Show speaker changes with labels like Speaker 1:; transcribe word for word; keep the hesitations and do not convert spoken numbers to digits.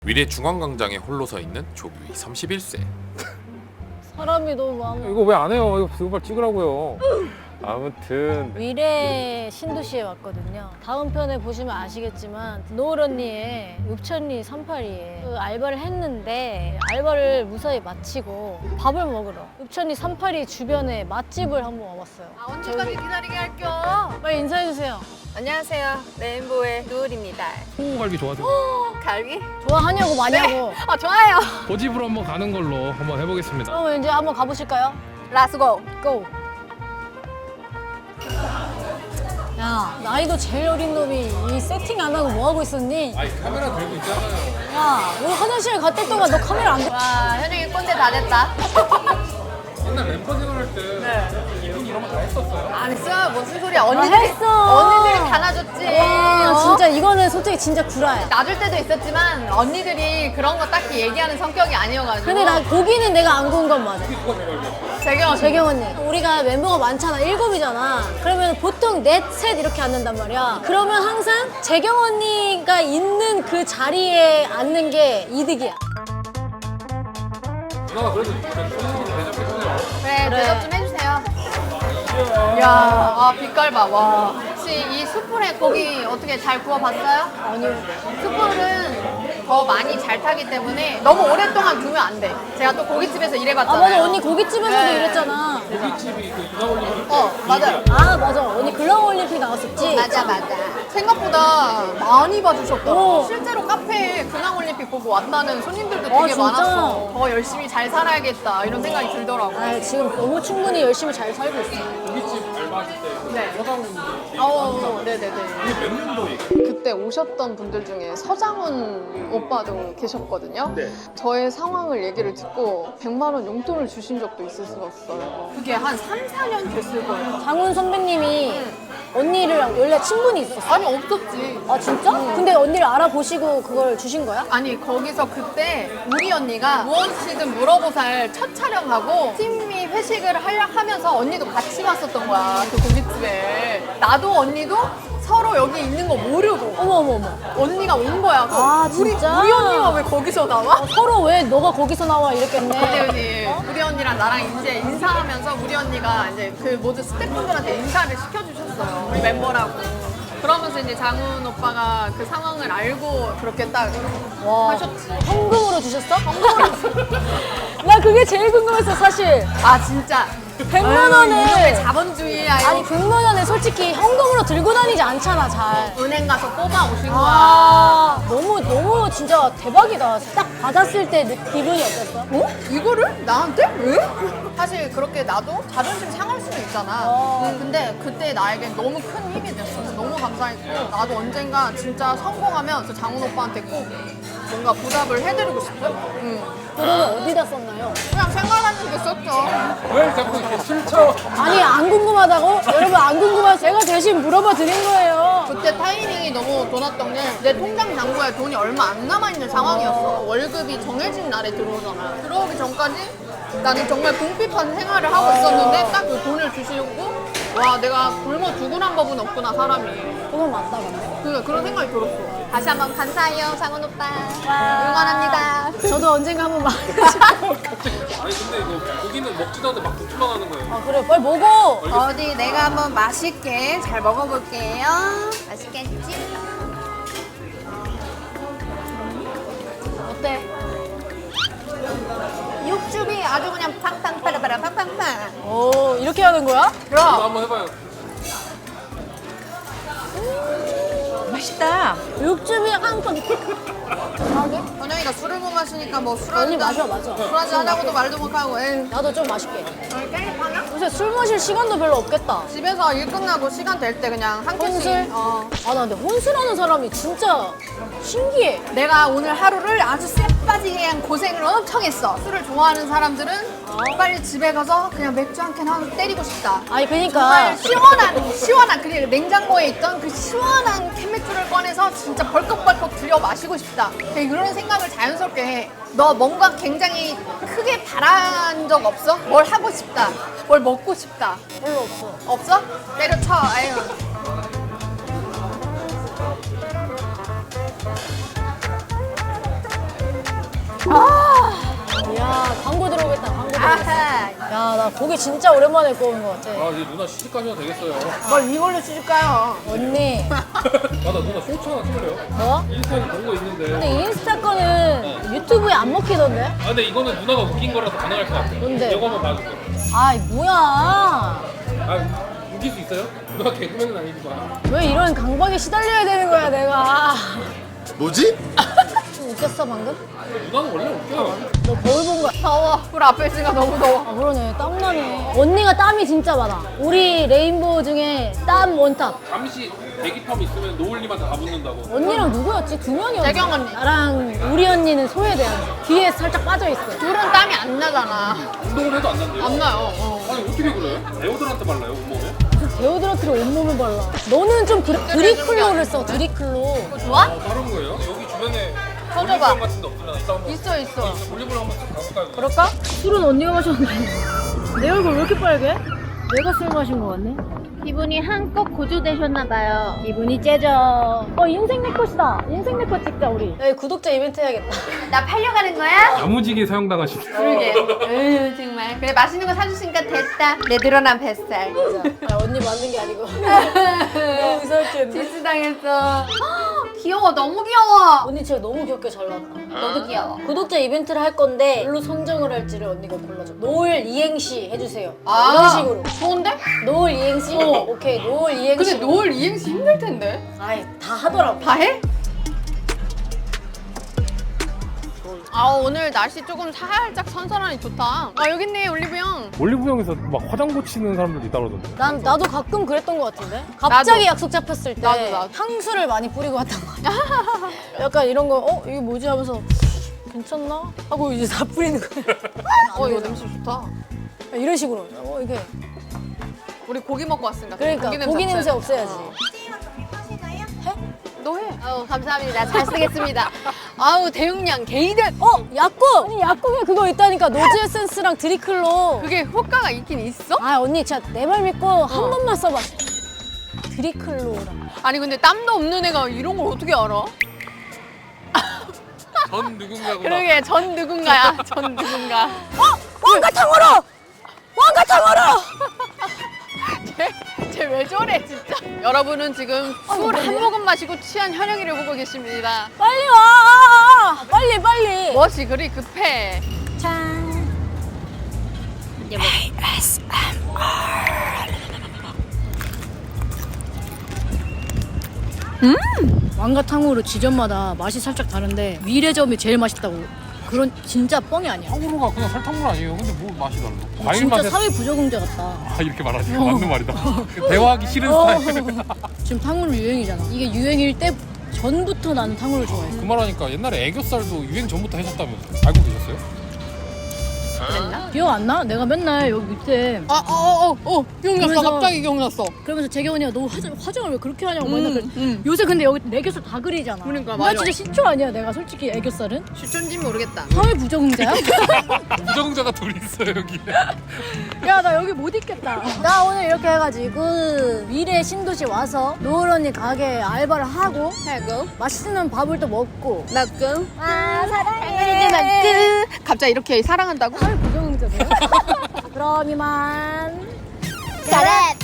Speaker 1: 위례 중앙광장에 홀로 서 있는 조규희 삼십일 세.
Speaker 2: 사람이 너무 많아.
Speaker 3: 이거 왜 안 해요? 이거 그걸 찍으라고요. 아무튼
Speaker 2: 위례 신도시에 왔거든요. 다음 편에 보시면 아시겠지만 노을 언니의 읍천리 삼팔이에 그 알바를 했는데 알바를 무사히 마치고 밥을 먹으러 읍천리 삼팔이 주변에 맛집을 한번 와봤어요.
Speaker 4: 아, 언제까지 기다리게 할겨?
Speaker 2: 빨리 인사해주세요.
Speaker 4: 안녕하세요. 레인보우의 누울입니다.
Speaker 3: 홍고갈비 좋아하세요?
Speaker 4: 갈비?
Speaker 2: 좋아하냐고 마냐고.
Speaker 4: 아, 좋아요.
Speaker 3: 고집으로 한번 가는 걸로 한번 해보겠습니다.
Speaker 2: 그럼 이제 한번 가보실까요?
Speaker 4: 라스고.
Speaker 2: 고! 야, 나이도 제일 어린 놈이 이 세팅 안 하고 뭐 하고 있었니?
Speaker 3: 아니 카메라 들고 있잖아요.
Speaker 2: 야, 오늘 화장실 갔을 동안 너 카메라 안 돼?
Speaker 4: 와, 현영이 꼰대 다 됐다.
Speaker 3: 옛날 멤버 생활할 때 이분 이런 거 다 했었어요?
Speaker 4: 안 했어. 무슨 소리야. 언니들이,
Speaker 2: 했어.
Speaker 4: 언니들이 다 놔줬지.
Speaker 2: 와,
Speaker 4: 어?
Speaker 2: 진짜 이거는 솔직히 진짜 구라야.
Speaker 4: 놔줄 때도 있었지만 언니들이 그런 거 딱히 얘기하는 성격이 아니어가지고.
Speaker 2: 근데 나 고기는 내가 안 구운 건 맞아.
Speaker 4: 재경
Speaker 2: 재경 언니, 우리가 멤버가 많잖아, 일곱이잖아. 그러면 보통 넷, 셋 이렇게 앉는단 말이야. 그러면 항상 재경 언니가 있는 그 자리에 앉는 게 이득이야.
Speaker 3: 누나가 그래도 손님이 대접해주세요.
Speaker 4: 그래,
Speaker 2: 그래.
Speaker 4: 대접 좀 해주세요. 이야, 아, 빛깔 봐. 와. 혹시 이 숯불에 고기 어떻게 잘 구워봤어요?
Speaker 2: 아니요.
Speaker 4: 숯불은 더 많이 잘 타기 때문에 너무 오랫동안 두면 안 돼. 제가 또 고깃집에서
Speaker 2: 아,
Speaker 4: 일해봤잖아요.
Speaker 2: 맞아. 언니 고깃집에서도
Speaker 4: 네.
Speaker 2: 이랬잖아.
Speaker 3: 고깃집이 그 이가올림
Speaker 4: 어, 맞아요.
Speaker 2: 아, 맞아. 언니 글라우 올림픽 나왔었지?
Speaker 4: 맞아, 맞아. 생각보다 많이 봐주셨더라고.
Speaker 2: 오.
Speaker 4: 실제로 카페에 근황올림픽 보고 왔다는 손님들도
Speaker 2: 아,
Speaker 4: 되게
Speaker 2: 진짜?
Speaker 4: 많았어. 더 열심히 잘 살아야겠다 이런 생각이 들더라고.
Speaker 2: 아, 지금 너무 충분히 열심히 잘 살고 있어.
Speaker 3: 고깃집 알바하실 때
Speaker 4: 네.
Speaker 3: 서장훈
Speaker 4: 어, 네네네.
Speaker 3: 이게 몇 년도에?
Speaker 4: 그때 오셨던 분들 중에 서장훈 오빠도 계셨거든요.
Speaker 3: 네.
Speaker 4: 저의 상황을 얘기를 듣고 백만 원 용돈을 주신 적도 있었어요. 그게 한 삼, 사 년 됐을 거예요.
Speaker 2: 장훈 선배님이 언니를 원래 친분이 있었어.
Speaker 4: 아니, 없었지.
Speaker 2: 아, 진짜? 근데 언니를 알아보시고 그걸 주신 거야?
Speaker 4: 아니, 거기서 그때 우리 언니가 무엇이든 물어보살 첫 촬영하고 팀이 회식을 하려 하면서 언니도 같이 왔었던 거야, 그 고깃집에. 나도 언니도 서로 여기 있는 거 모르고
Speaker 2: 어머, 어머, 어머.
Speaker 4: 언니가 온 거야. 그래서
Speaker 2: 아,
Speaker 4: 우리,
Speaker 2: 진짜?
Speaker 4: 우리 언니가 왜 거기서 나와?
Speaker 2: 서로 왜 너가 거기서 나와 이랬겠네.
Speaker 4: 언니, 언니, 우리 언니랑 나랑 이제 인사하면서 우리 언니가 이제 그 모든 스태프분들한테 인사를 시켜주셨어요. 우리 멤버라고. 그러면서 이제 장훈 오빠가 그 상황을 알고 그렇게 딱
Speaker 2: 와.
Speaker 4: 하셨지.
Speaker 2: 현금으로 주셨어? 나 그게 제일 궁금했어, 사실.
Speaker 4: 아, 진짜.
Speaker 2: 백만
Speaker 4: 아유,
Speaker 2: 원을.
Speaker 4: 이놈의 자본주의야. 이거.
Speaker 2: 아니, 백만 원을 솔직히 현금으로 들고 다니지 않잖아, 잘.
Speaker 4: 은행 가서 뽑아 오신 거야.
Speaker 2: 아, 너무, 너무 진짜 대박이다. 딱 받았을 때 느- 기분이 어땠어?
Speaker 4: 어? 이거를? 나한테? 왜? 사실 그렇게 나도 자존심 상할 수도 있잖아.
Speaker 2: 어.
Speaker 4: 음, 근데 그때 나에게 너무 큰 힘이 됐어. 너무 감사했고 나도 언젠가 진짜 성공하면 그 장훈 오빠한테 꼭 뭔가 보답을 해드리고 싶어. 응.
Speaker 2: 그러면 어디다 썼나요?
Speaker 4: 그냥 생각하는 게 썼죠.
Speaker 3: 왜 자꾸 이렇게 술쳐?
Speaker 2: 아니, 안 궁금하다고? 여러분, 안 궁금해서 제가 대신 물어봐 드린 거예요.
Speaker 4: 그때 타이밍이 너무 좋았던 게 내 통장 잔고에 돈이 얼마 안 남아있는 상황이었어. 월급이 정해진 날에 들어오잖아. 들어오기 전까지 나는 정말 궁핍한 생활을 하고 있었는데 딱 그 돈을 주시고 와, 내가 굶어 죽으란 법은 없구나, 사람이.
Speaker 2: 그건 맞다, 근데.
Speaker 4: 그, 그런 생각이 들었어. 다시 한번 감사해요, 장훈 오빠. 응원합니다.
Speaker 2: 저도 언젠가 한번 만나고 싶어요.
Speaker 3: 아니 근데 이거 고기는 먹지도 않는데 막 독출만 하는 거예요.
Speaker 2: 아, 그래, 빨리 먹어.
Speaker 4: 어디 내가 한번 맛있게 잘 먹어볼게요. 맛있겠지?
Speaker 2: 어때?
Speaker 4: 육즙이 아주 그냥 팡팡 파라파라 팡팡팡.
Speaker 2: 오, 이렇게 하는 거야?
Speaker 3: 이거
Speaker 4: 그럼
Speaker 3: 한번 해봐요.
Speaker 4: 맛있다.
Speaker 2: 육즙이 한껏.
Speaker 4: 현영이가 술을 못 마시니까 뭐 술
Speaker 2: 언니
Speaker 4: 한잔
Speaker 2: 마셔, 마셔.
Speaker 4: 술 한잔 하자고도 말도 못하고 에이.
Speaker 2: 나도 좀 마실게.
Speaker 4: 오늘 깻잎하냐?
Speaker 2: 요새 술 마실 시간도 별로 없겠다.
Speaker 4: 집에서 일 끝나고 시간 될 때 그냥 한 캔씩.
Speaker 2: 혼술?
Speaker 4: 어.
Speaker 2: 아, 나 근데 혼술하는 사람이 진짜 신기해.
Speaker 4: 내가 오늘 하루를 아주 쎄빠지게 그냥 고생을 엄청 했어. 술을 좋아하는 사람들은 빨리 집에 가서 그냥 맥주 한 캔 하고 때리고 싶다.
Speaker 2: 아니, 그니까.
Speaker 4: 정말 시원한, 시원한, 그 냉장고에 있던 그 시원한 캔맥주를 꺼내서 진짜 벌컥벌컥 들여 마시고 싶다. 그냥 이런 생각을 자연스럽게 해. 너 뭔가 굉장히 크게 바란 적 없어? 뭘 하고 싶다. 뭘 먹고 싶다.
Speaker 2: 별로 없어.
Speaker 4: 없어? 때려쳐. 아유.
Speaker 2: 야, 나 고기 진짜 오랜만에 구운 것 같아.
Speaker 3: 아 이제 누나 시집 가셔도 되겠어요.
Speaker 4: 뭘 이걸로 시집가요?
Speaker 2: 언니,
Speaker 3: 아나 누나 쇼츠 하나 찍을래요?
Speaker 2: 뭐?
Speaker 3: 인스타에 본 거 있는데.
Speaker 2: 근데 인스타 거는 유튜브에 안 먹히던데?
Speaker 3: 아 근데 이거는 누나가 웃긴 거라서 가능할 것 같아요.
Speaker 2: 뭔데?
Speaker 3: 이거 한번 봐줄게요.
Speaker 2: 아이, 뭐야.
Speaker 3: 아 웃길 수 있어요? 누나 개그맨은 아니지만.
Speaker 2: 왜 이런 강박에 시달려야 되는 거야, 내가.
Speaker 5: 뭐지?
Speaker 2: 좀 웃겼어, 방금?
Speaker 3: 누나는 원래 웃겨요.
Speaker 2: 너 거울 본 거야?
Speaker 4: 더워. 불 앞에 있으니까 너무 더워.
Speaker 2: 아, 그러네. 땀나네. 언니가 땀이 진짜 많아. 우리 레인보우 중에 땀 원탑.
Speaker 3: 잠시 대기텀 있으면 노을님한테 다 붙는다고.
Speaker 2: 언니랑 누구였지? 두 명이었지?
Speaker 4: 재경 언니.
Speaker 2: 나랑 우리 언니는 소외돼요. 뒤에 살짝 빠져있어.
Speaker 4: 둘은 땀이 안 나잖아.
Speaker 3: 운동을 해도 안 난대요?
Speaker 4: 안 나요. 어.
Speaker 3: 아니 어떻게 그래요? 배우들한테 발라요 온몸에?
Speaker 2: 무슨 데오드란트를 온몸에 발라. 너는 좀 그래. 드리클로를 써, 드리클로.
Speaker 4: 좋아?
Speaker 3: 아 다른 거예요? 여기 주변에
Speaker 4: 터져봐.
Speaker 3: 올리브영 같은 데 없으려나? 이따 한번
Speaker 4: 있어 있어.
Speaker 3: 올리브영 한번 가볼까요?
Speaker 2: 그럴까? 술은 언니가 마셨는데. 내 얼굴 왜 이렇게 빨개? 내가 술 마신 거 같네?
Speaker 4: 기분이 한껏 고조되셨나봐요.
Speaker 2: 기분이 째져. 어, 인생 내 것이다. 인생 내 것 찍자, 우리. 야, 구독자 이벤트 해야겠다.
Speaker 4: 나 팔려가는 거야?
Speaker 3: 야무지게 사용당하시네.
Speaker 4: 그러게. 에휴 정말. 그래 맛있는 거 사주시니까 됐다. 내 늘어난 뱃살.
Speaker 2: 아, 언니 맞는 게 아니고. 너무 이상했지.
Speaker 4: 디스당했어. 귀여워 너무 귀여워.
Speaker 2: 언니 진짜 너무 귀엽게 잘 나왔다.
Speaker 4: 너도 귀여워.
Speaker 2: 구독자 이벤트를 할 건데 뭘로 선정을 할지를 언니가 골라줘. 노을 이행시 해주세요.
Speaker 4: 아,
Speaker 2: 이런 식으로.
Speaker 4: 좋은데?
Speaker 2: 노을 이행시?
Speaker 4: 어.
Speaker 2: 오케이, 노을 이행시.
Speaker 4: 근데 노을 이행시 힘들 텐데.
Speaker 2: 아이, 다 하더라고.
Speaker 4: 다 해? 아 오늘 날씨 조금 살짝 선선하니 좋다. 아 여기 있네 올리브영.
Speaker 3: 올리브영에서 막 화장 고치는 사람들도 있다 그러던데.
Speaker 2: 난, 나도 가끔 그랬던 것 같은데? 갑자기
Speaker 4: 나도.
Speaker 2: 약속 잡혔을 때
Speaker 4: 나도, 나도.
Speaker 2: 향수를 많이 뿌리고 왔던 거 같아. 약간 이런 거, 어? 이게 뭐지? 하면서 괜찮나? 하고 이제 다 뿌리는 거야.
Speaker 4: 어 이거 냄새 좋다.
Speaker 2: 이런 식으로. 어, 이게.
Speaker 4: 우리 고기 먹고 왔으니까.
Speaker 2: 그러니까 고기 냄새 없애야지.
Speaker 4: 너 해. 아우 감사합니다. 잘 쓰겠습니다. 아우 대용량 게이드.
Speaker 2: 어, 약국! 아니, 약국에 그거 있다니까. 노즈 에센스랑 드리클로.
Speaker 4: 그게 효과가 있긴 있어?
Speaker 2: 아, 언니 진짜 내 말 믿고 한 번만 써봐. 드리클로랑.
Speaker 4: 아니 근데 땀도 없는 애가 이런 걸 어떻게 알아?
Speaker 3: 전 누군가구나.
Speaker 4: 그러게 전 누군가야. 전 누군가.
Speaker 2: 왕가탕으로! 왕가탕으로!
Speaker 4: 쟤 왜 저래 진짜. 여러분은 지금 술 한 모금 마시고 취한 현영이를 보고 계십니다.
Speaker 2: 빨리 와! 빨리, 빨리!
Speaker 4: 무엇이 그리 급해.
Speaker 2: 짠. 음! 왕가탕으로 지점마다 맛이 살짝 다른데 위례점이 제일 맛있다고. 그런 진짜 뻥이 아니야.
Speaker 3: 탕후루가 그냥 설탕물 아니에요. 근데 뭐 맛이 달라? 과일
Speaker 2: 진짜
Speaker 3: 맛에
Speaker 2: 사회 부적응자 같다.
Speaker 3: 아 이렇게 말하지 맞는 말이다. 대화하기 싫은 스타일.
Speaker 2: 지금 탕후루 유행이잖아. 이게 유행일 때 전부터 나는 탕후루를 좋아해.
Speaker 3: 그 말하니까 옛날에 애교살도 유행 전부터 하셨다면서 알고 계셨어요?
Speaker 2: 기억 안 나? 내가 맨날 여기 밑에
Speaker 4: 아어어어 어, 기억났어.
Speaker 2: 그래서-
Speaker 4: 갑자기 기억났어.
Speaker 2: 그러면서 재경 언니가 너 화장, 화장을 왜 그렇게 하냐고
Speaker 4: 음,
Speaker 2: 맨날 그래.
Speaker 4: 음.
Speaker 2: 요새 근데 여기 애교살 다 그리잖아.
Speaker 4: 그러니까,
Speaker 2: 나
Speaker 4: 맞아.
Speaker 2: 진짜 시초 아니야 내가 솔직히 애교살은?
Speaker 4: 추천지 모르겠다.
Speaker 2: 사회 부적응자야?
Speaker 3: 부정자가 둘 있어요 여기.
Speaker 2: 야 나 여기 못 있겠다. 나 오늘 이렇게 해가지고 미래 신도시 와서 노을 언니 가게 알바를 하고
Speaker 4: 하고
Speaker 2: 맛있는 밥을 또 먹고
Speaker 4: 나고
Speaker 2: 아
Speaker 4: 이제
Speaker 2: 사랑해.
Speaker 4: 나고 갑자기 이렇게 사랑한다고?
Speaker 2: 사회 부적응자세요? 그럼 이만.
Speaker 4: 잘해.